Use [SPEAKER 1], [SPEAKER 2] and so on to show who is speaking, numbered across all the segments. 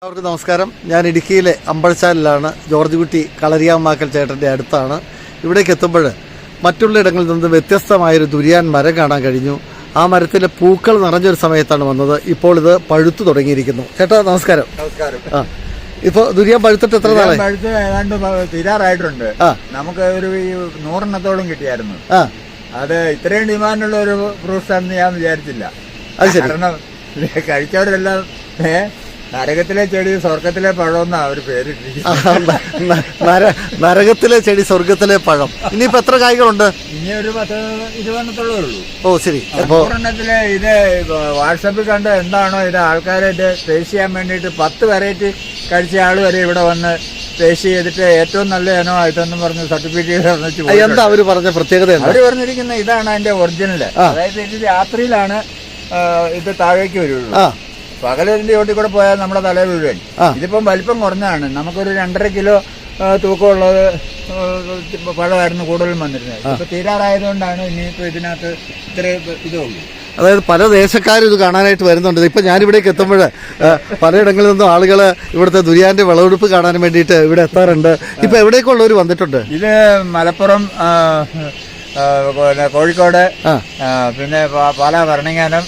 [SPEAKER 1] എല്ലാവർക്കും നമസ്കാരം. ഞാൻ ഇടുക്കിയിലെ അമ്പഴച്ചാലിലാണ്. ജോർജ് കുട്ടി കളരിയാമ്മാക്കൽ ചേട്ടൻ്റെ അടുത്താണ്. ഇവിടേക്ക് എത്തുമ്പോൾ മറ്റുള്ള ഇടങ്ങളിൽ നിന്ന് വ്യത്യസ്തമായൊരു ദുരിയാൻ മരം കാണാൻ കഴിഞ്ഞു. ആ മരത്തിലെ പൂക്കൾ നിറഞ്ഞൊരു സമയത്താണ് വന്നത്. ഇപ്പോൾ ഇത് പഴുത്തു തുടങ്ങിയിരിക്കുന്നു. ചേട്ടാ നമസ്കാരം.
[SPEAKER 2] നമസ്കാരം.
[SPEAKER 1] ഇപ്പൊ ദുരിയാൻ പഴുത്തിട്ട് എത്ര നാളെ?
[SPEAKER 2] പഴുത്ത് ഏതാണ്ട് തീരാറായിട്ടുണ്ട്. നമുക്ക് ഒരു 100 കിട്ടിയായിരുന്നു. അത് ഇത്രയും ഡിമാൻഡുള്ള ഒരു ഫ്രൂട്ട്സ് ആണെന്ന് ഞാൻ വിചാരിച്ചില്ല. കാരണം കഴിച്ചവരെല്ലാം നരകത്തിലെ ചെടി സ്വർഗത്തിലെ പഴം എന്നാ ഒരു പേരിട്ടിരിക്കുന്നത്.
[SPEAKER 1] നരകത്തിലെ ചെടി സ്വർഗത്തിലെ പഴം. ഇനിയിപ്പോ എത്ര കായ്കളുണ്ട്?
[SPEAKER 2] ഇനി ഒരു 10-20 ഉള്ളൂ.
[SPEAKER 1] ഓ ശരി.
[SPEAKER 2] ഒരെണ്ണത്തില് ഇത് വാട്സപ്പിൽ കണ്ട് എന്താണോ ഇത് ആൾക്കാരെ ഇത് ടേസ്റ്റ് ചെയ്യാൻ വേണ്ടിയിട്ട് 10 വെറൈറ്റി കഴിച്ച ആള് വരെ ഇവിടെ വന്ന് ടേസ്റ്റ് ചെയ്തിട്ട് ഏറ്റവും നല്ല ഇനോ ഇതെന്ന് പറഞ്ഞ് സർട്ടിഫിക്കറ്റ്
[SPEAKER 1] എന്താ അവര് പറഞ്ഞ പ്രത്യേകത?
[SPEAKER 2] അവര് പറഞ്ഞിരിക്കുന്ന ഇതാണ് അതിന്റെ ഒറിജിനൽ. അതായത് ഇത് രാത്രിയിലാണ് ഇത് താഴേക്ക് വരുള്ളൂ. പകലിന്റെ ചോട്ടിൽ കൂടെ പോയാൽ നമ്മുടെ തലയിൽ വീഴുവാൻ. ഇതിപ്പം വലിപ്പം കുറഞ്ഞാണ്. നമുക്കൊരു 2.5 കിലോ തൂക്കമുള്ളത് പഴമായിരുന്നു കൂടുതലും വന്നിരുന്നത്. ഇപ്പൊ തീരാറായതുകൊണ്ടാണ് ഇനിയിപ്പോ ഇതിനകത്ത് ഇത്ര ഇതുള്ളൂ.
[SPEAKER 1] അതായത് പല ദേശക്കാരും ഇത് കാണാനായിട്ട് വരുന്നുണ്ട്. ഇപ്പൊ ഞാനിവിടേക്ക് എത്തുമ്പോൾ പലയിടങ്ങളിൽ നിന്നും ആളുകൾ ഇവിടുത്തെ ദുരിയാന്റെ വിളവെടുപ്പ് കാണാൻ വേണ്ടിയിട്ട് ഇവിടെ എത്താറുണ്ട്. ഇപ്പൊ എവിടേക്കുള്ളവർ വന്നിട്ടുണ്ട്?
[SPEAKER 2] ഇത് മലപ്പുറം, കോഴിക്കോട്, പിന്നെ പാലാ, ഭരണങ്ങാനം.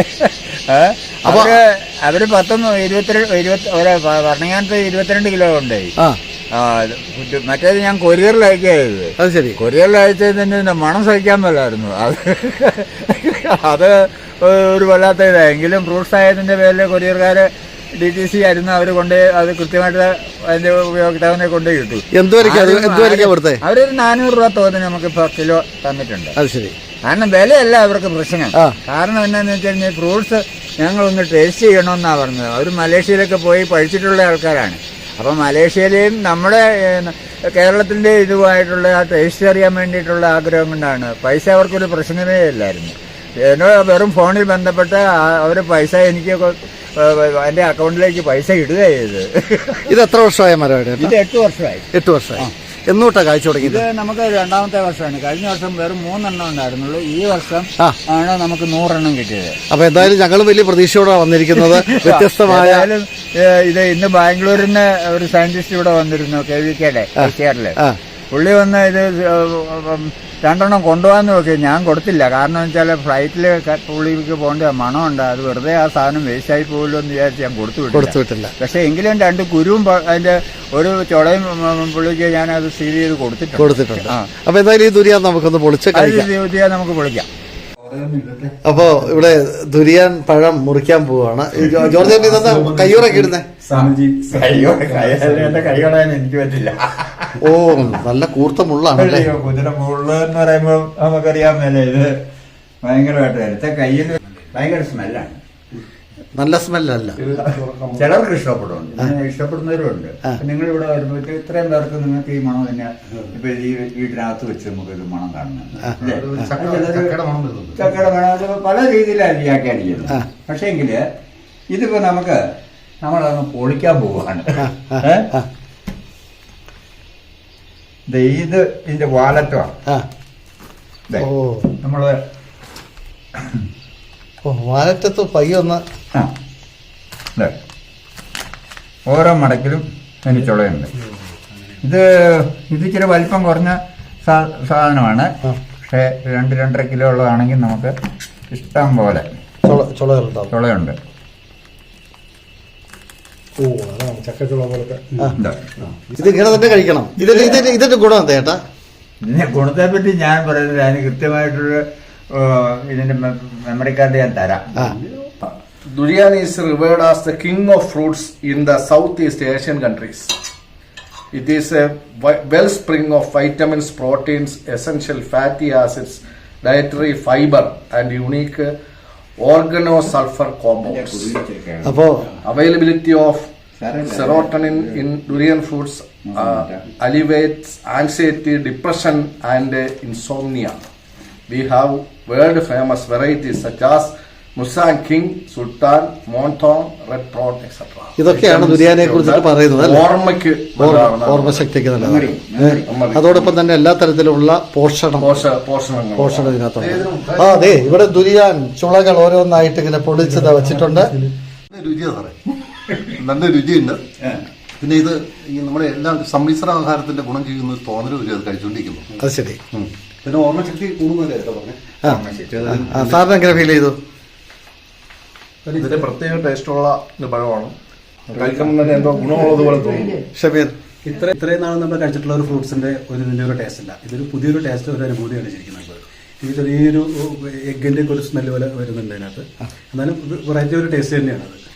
[SPEAKER 2] അവര് 22 കിലോ ഉണ്ടായി. മറ്റേത് ഞാൻ കൊറിയറിൽ അയക്കായത്.
[SPEAKER 1] അത് ശരി.
[SPEAKER 2] കൊറിയറിൽ അയച്ചതിന്റെ മണം സഹിക്കാൻ മേലായിരുന്നു. അത് ഒരു വല്ലാത്ത ഇതായെങ്കിലും ഫ്രൂട്ട്സ് ആയതിന്റെ പേരിൽ കൊറിയർകാര് DTC ആയിരുന്നു. അവര് അത് കൃത്യമായിട്ട് അതിന്റെ ഉപയോക്താവിനെ കൊണ്ടേ കിട്ടും. അവരൊരു 400 രൂപ തോതിന് നമുക്ക് കിലോ തന്നിട്ടുണ്ട്.
[SPEAKER 1] അത് ശരി.
[SPEAKER 2] കാരണം വിലയല്ല അവർക്ക് പ്രശ്നം. കാരണം എന്താണെന്ന് വെച്ച് കഴിഞ്ഞാൽ ഫ്രൂട്ട്സ് ഞങ്ങളൊന്ന് ടേസ്റ്റ് ചെയ്യണമെന്നാ പറഞ്ഞത്. അവർ മലേഷ്യയിലൊക്കെ പോയി പഠിച്ചിട്ടുള്ള ആൾക്കാരാണ്. അപ്പം മലേഷ്യയിലെയും നമ്മുടെ കേരളത്തിന്റെ ഇതുമായിട്ടുള്ള ആ ടേസ്റ്റ് അറിയാൻ വേണ്ടിയിട്ടുള്ള ആഗ്രഹം കൊണ്ടാണ്. പൈസ അവർക്കൊരു പ്രശ്നമേ ഇല്ലായിരുന്നു. എന്നോട് വെറും ഫോണിൽ ബന്ധപ്പെട്ട് അവർ പൈസ എനിക്ക് എന്റെ അക്കൗണ്ടിലേക്ക് പൈസ ഇടുക ചെയ്ത്.
[SPEAKER 1] ഇത് എത്ര വർഷമായ മരമാണ്?
[SPEAKER 2] ഇത് 8 വർഷമായി.
[SPEAKER 1] 8 വർഷമായി. എന്നൂട്ടാ കാഴ്ച തുടങ്ങി?
[SPEAKER 2] ഇത് നമുക്ക് 2ാമത്തെ വർഷമാണ്. കഴിഞ്ഞ വർഷം വെറും 3 എണ്ണം ഉണ്ടായിരുന്നുള്ളൂ. ഈ വർഷം ആണ് നമുക്ക് 100 എണ്ണം കിട്ടിയത്.
[SPEAKER 1] അപ്പൊ എന്തായാലും ഞങ്ങൾ വലിയ പ്രതീക്ഷയോടാണ് വന്നിരിക്കുന്നത്. വ്യത്യസ്തമായ
[SPEAKER 2] ഇത് ഇന്ന് ബാംഗ്ലൂരിൽ നിന്ന് ഒരു സയന്റിസ്റ്റ് ഇവിടെ വന്നിരുന്നു, KVKയുടെ ഐസിആറില്. പുള്ളി വന്ന് ഇത് 2 എണ്ണം കൊണ്ടുപോകാന്ന് നോക്കി. ഞാൻ കൊടുത്തില്ല. കാരണം വെച്ചാൽ ഫ്ലൈറ്റില് പുള്ളിക്ക് പോകേണ്ട മണമുണ്ട്. അത് വെറുതെ ആ സാധനം വേസ്റ്റ് ആയി പോകില്ലോ എന്ന് വിചാരിച്ച് ഞാൻ കൊടുത്തുവിട്ടില്ല. പക്ഷെ എങ്കിലും 2 കുരുവും അതിന്റെ ഒരു ചുളയും പുള്ളിക്ക് ഞാൻ അത് സീൽ ചെയ്ത് കൊടുത്തിട്ടുണ്ട്.
[SPEAKER 1] അപ്പൊ എന്തായാലും ഈ ദുരിയാൻ നമുക്കൊന്ന്
[SPEAKER 2] നമുക്ക് പൊളിക്കാം.
[SPEAKER 1] അപ്പൊ ഇവിടെ ദുരിയാൻ പഴം മുറിക്കാൻ പോവാണ്. ജോർജ് കയ്യൂറൊക്കെ ഇടുന്നേ?
[SPEAKER 2] എന്റെ കൈ കളയാൻ എനിക്ക് പറ്റില്ല.
[SPEAKER 1] ഓ നല്ല കൂർത്ത മുള്ളാണല്ലേ?
[SPEAKER 2] കുതിര മുള്ള എന്ന് പറയുമ്പോ നമുക്കറിയാൻ മേലെ ഇത് ഭയങ്കരമായിട്ട് എടുത്ത കയ്യിൽ ഭയങ്കര സ്മെല്ലാണ്.
[SPEAKER 1] നല്ല സ്മെല്ലല്ല.
[SPEAKER 2] ചിലർക്ക് ഇഷ്ടപ്പെടുന്നവരുണ്ട്. നിങ്ങൾ ഇവിടെ വരുമ്പോൾ ഇത്രയും പേർക്ക് നിങ്ങൾക്ക് ഈ മണം തന്നെ ഇപ്പൊ ഈ വീട്ടിനകത്ത് വെച്ച് നമുക്ക് ഇത് മണം കാണുന്നത്. ചക്കയുടെ മണം പല രീതിയിലാണ് വ്യാഖ്യാനിക്കുന്നത്. പക്ഷെ എങ്കില് ഇതിപ്പോ നമ്മളങ്ങ് പൊളിക്കാൻ പോവാണ്. ഇത് ഇതിന്റെ വാലറ്റമാണ്. നമ്മള്
[SPEAKER 1] വാലറ്റത്ത് പയ്യൊന്ന്
[SPEAKER 2] ഓരോ മടക്കിലും അതിന് ചുളയുണ്ട്. ഇത് ഇച്ചിരി വലിപ്പം കുറഞ്ഞ സാധനമാണ്. പക്ഷെ 2-2.5 കിലോ ഉള്ളതാണെങ്കിൽ നമുക്ക് ഇഷ്ടം പോലെ ചുളയുണ്ട്.
[SPEAKER 1] ചക്കച്ചുള പോലത്തെ ഇത് ഇങ്ങനെ തന്നെ കഴിക്കണം. ഇതിന്റെ ഗുണം എന്താ ചേട്ടാ?
[SPEAKER 2] ഇതിന്റെ ഗുണത്തെ പറ്റി ഞാൻ പറയുന്നത് അതിന് കൃത്യമായിട്ടൊരു ഇതിന്റെ മെമ്മറി കാർഡ് ഞാൻ തരാം.
[SPEAKER 3] Durian is revered as the king of fruits in the Southeast Asian countries. It is a wellspring of vitamins, proteins, essential fatty acids, dietary fiber and unique organosulfur compounds. Availability of serotonin in durian fruits alleviates anxiety, depression and insomnia. We have world famous varieties such as Musang King, Sultan, Monthong, Red Throat, etc.
[SPEAKER 1] ഇതൊക്കെയാണ് ദുരിയാനെ കുറിച്ചിട്ട് പറയുന്നത്. ഓർമ്മശക്തിക്ക് നല്ലതാണ്. അതോടൊപ്പം തന്നെ എല്ലാ തരത്തിലുള്ള പോഷണം ഇതിനകത്തുണ്ട്. അതെ, ഇവിടെ ദുരിയാൻ ചുളകൾ ഓരോന്നായിട്ട് ഇങ്ങനെ പൊടിച്ചത് വെച്ചിട്ടുണ്ട്.
[SPEAKER 4] നല്ല രുചിയുണ്ട്. പിന്നെ ഇത് ഈ നമ്മുടെ എല്ലാ സമ്മിശ്ര ആഹാരത്തിന്റെ ഗുണം ചെയ്യുന്ന ഒരു തോന്നൽ വരും അത് കഴിച്ചുകൊണ്ടിരിക്കുന്നു.
[SPEAKER 1] അത് ശരി.
[SPEAKER 4] പിന്നെ ഓർമ്മശക്തി കൂടുന്നതല്ലേ പറഞ്ഞേ.
[SPEAKER 1] സാറിന് എങ്ങനെ ഫീൽ ചെയ്തു?
[SPEAKER 3] ഇതിന്റെ പ്രത്യേക ടേസ്റ്റുള്ള ഒരു പഴമാണ്. കഴിക്കുമ്പോൾ തന്നെ എന്തോ ഗുണമുള്ളതുപോലെ തോന്നുന്നു.
[SPEAKER 1] ഷമീർ,
[SPEAKER 5] ഇത്രയും നാൾ നമ്മൾ കഴിച്ചിട്ടുള്ള ഒരു ഫ്രൂട്ട്സിന്റെ ഒരു വലിയൊരു ടേസ്റ്റ് അല്ല. ഇതൊരു പുതിയൊരു ടേസ്റ്റ്, ഒരു അനുഭൂതിയാണ് ശരിക്കും നമുക്ക്. ഈ ചെറിയൊരു എഗ്ഗിന്റെ ഒക്കെ ഒരു സ്മെല്ല് പോലെ വരുന്നുണ്ട് അതിനകത്ത്. എന്നാലും വെറൈറ്റി ഒരു ടേസ്റ്റ് തന്നെയാണ് അത്.